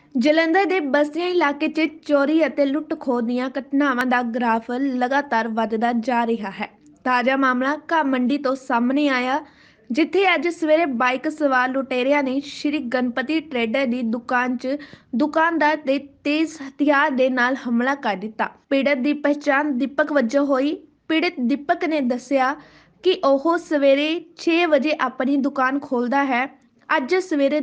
ਜਲੰਧਰ ਦੇ ਬਸਤੀਆਂ ਇਲਾਕੇ 'ਚ ਚੋਰੀ ਅਤੇ ਲੁੱਟ-ਖੋਹ ਦੀਆਂ ਘਟਨਾਵਾਂ ਦਾ ਗ੍ਰਾਫ ਲਗਾਤਾਰ ਵੱਧਦਾ ਜਾ ਰਿਹਾ ਹੈ। ਤਾਜ਼ਾ ਮਾਮਲਾ ਘਾਹ ਮੰਡੀ ਤੋਂ ਸਾਹਮਣੇ ਆਇਆ, ਜਿੱਥੇ ਅੱਜ ਸਵੇਰੇ ਬਾਈਕ ਸਵਾਰ ਲੁਟੇਰਿਆਂ ਨੇ ਸ਼੍ਰੀ ਗਣਪਤੀ ਟਰੇਡਰ ਦੀ ਦੁਕਾਨ 'ਚ ਦੁਕਾਨਦਾਰ ਤੇ ਤੇਜ਼ ਹਥਿਆਰ ਦੇ ਨਾਲ ਹਮਲਾ ਕਰ ਦਿੱਤਾ। ਪੀੜਤ ਦੀ ਪਛਾਣ ਦੀਪਕ ਵਜੋਂ ਹੋਈ। ਪੀੜਤ ਦੀਪਕ ਨੇ ਦੱਸਿਆ ਕਿ ਉਹ ਸਵੇਰੇ 6 ਵਜੇ ਆਪਣੀ ਦੁਕਾਨ ਖੋਲ੍ਹਦਾ ਹੈ। ਅੱਜ ਸਵੇਰੇ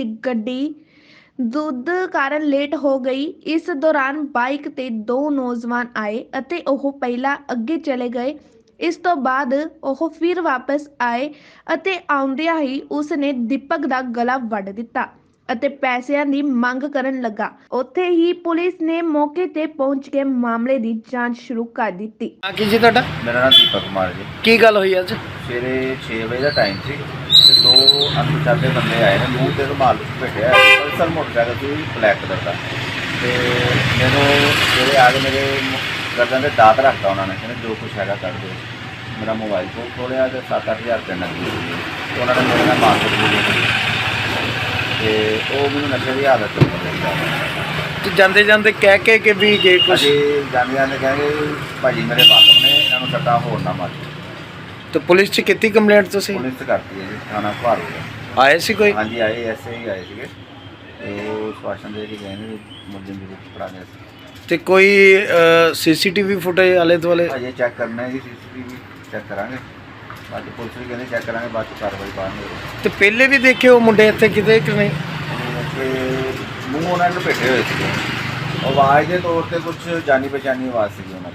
ਦੁੱਧ ਕਾਰਨ ਲੇਟ ਹੋ ਗਈ। ਇਸ ਦੌਰਾਨ ਬਾਈਕ ਤੇ ਦੋ ਨੌਜਵਾਨ ਆਏ ਅਤੇ ਉਹ ਪਹਿਲਾਂ ਅੱਗੇ ਚਲੇ ਗਏ। ਇਸ ਤੋਂ ਬਾਅਦ ਉਹ ਫਿਰ ਵਾਪਸ ਆਏ ਅਤੇ ਆਉਂਦਿਆਂ ਹੀ ਉਸ ਨੇ ਦੀਪਕ ਦਾ ਗਲਾ ਵੱਢ ਦਿੱਤਾ ਅਤੇ ਪੈਸਿਆਂ ਦੀ ਮੰਗ ਕਰਨ ਲੱਗਾ। ਉੱਥੇ ਹੀ ਪੁਲਿਸ ਨੇ ਮੌਕੇ ਤੇ ਪਹੁੰਚ ਕੇ ਮਾਮਲੇ ਦੀ ਜਾਂਚ ਸ਼ੁਰੂ ਕਰ ਦਿੱਤੀ। ਕੀ ਜੀ ਤੁਹਾਡਾ? ਮੇਰਾ ਨਾਮ ਦੀਪਕ ਕੁਮਾਰ ਜੀ। ਕੀ ਗੱਲ ਹੋਈ ਅੱਜ? ਸਵੇਰੇ 6 ਵਜੇ ਦਾ ਟਾਈਮ ਸੀ ਤੇ ਦੋ ਅਣਪਛਾਤੇ ਬੰਦੇ ਆਏ ਨੇ, ਮੂੰਹ ਤੇ ਰੁਮਾਲ ਭੇਟਿਆ, ਪਲਸਰ ਮੋਟਰਸਾਈਕਲ ਸੀ ਬਲੈਕ ਕਲਰ ਦਾ। ਤੇ ਮੈਨੂੰ ਸਵੇਰੇ ਆ ਕੇ ਮੇਰੇ ਗਰਦਨ ਤੇ ਦਾਤ ਰੱਖਤਾ ਉਹਨਾਂ ਨੇ, ਕਹਿੰਦੇ ਜੋ ਕੁਛ ਹੈਗਾ ਕਰ ਦਿਓ। ਮੇਰਾ ਮੋਬਾਈਲ ਫੋਨ ਖੋਲ੍ਹਿਆ ਤੇ 7-8 ਹਜ਼ਾਰ ਰੁਪਏ ਨਕਦੀ ਸੀ ਤੇ ਉਹਨਾਂ ਨੇ ਮੇਰੇ ਨਾਲ ਮਾਰਕੀਟ ਕੀਤੀ ਤੇ ਉਹ ਮੈਨੂੰ ਨਸ਼ੇ ਦੀ ਹਾਲਤ ਚ ਮਿਲਿਆ। ਤੇ ਜਾਂਦੇ ਜਾਂਦੇ ਕਹਿ ਕੇ ਕਿ ਵੀ ਜੇ ਕੁਛ ਅਸੀਂ ਜਾਂਦੇ ਜਾਂਦੇ ਕਹਿੰਦੇ ਭਾਜੀ ਮੇਰੇ ਵਾਕਫ ਨੇ, ਇਹਨਾਂ ਨੂੰ ਸੱਟਾਂ ਹੋਰ ਨਾ ਮਾਰ। ਤੇ ਪੁਲਿਸ 'ਚ ਕੀਤੀ ਕੰਪਲੇਂਟ ਤੁਸੀਂ? ਪੁਲਿਸ ਕਰਤੀ ਹੈ ਜੀ, ਥਾਣਾ ਭਾਰਤ ਆਏ ਸੀ ਕੋਈ? ਹਾਂਜੀ ਆਏ, ਐਸੇ ਹੀ ਆਏ ਸੀਗੇ ਤੇ ਉਹ ਸਵਾਸ਼ਨ ਦੇ ਕੇ ਗਏ ਨੇ ਮੁਲਜ਼ਮ ਦੇ ਫੜਾ ਗਏ ਸੀ। ਤੇ ਕੋਈ ਸੀਸੀਟੀਵੀ ਫੁਟੇਜ ਆਲੇ ਦੁਆਲੇ? ਅਜੇ ਚੈੱਕ ਕਰਨਾ ਹੈ ਜੀ, ਸੀਸੀਟੀਵੀ ਚੈੱਕ ਕਰਾਂਗੇ, ਬਾਅਦ 'ਚ ਪੁਲਿਸ ਵੀ ਕਹਿੰਦੇ ਚੈੱਕ ਕਰਾਂਗੇ, ਬਾਅਦ 'ਚ ਕਾਰਵਾਈ ਪਾਵਾਂਗੇ। ਤੇ ਪਹਿਲੇ ਵੀ ਦੇਖੇ ਉਹ ਮੁੰਡੇ ਇੱਥੇ ਕਿਤੇ ਕਿ ਨਹੀਂ? ਤੇ ਮੂੰਹ ਉਹਨਾਂ ਨੂੰ ਭੇਟੇ ਹੋਏ ਸੀਗੇ, ਆਵਾਜ਼ ਦੇ ਤੌਰ ਤੇ ਕੁਝ ਜਾਣੀ ਪਛਾਣੀ ਆਵਾਜ਼ ਸੀਗੀ ਉਹਨਾਂ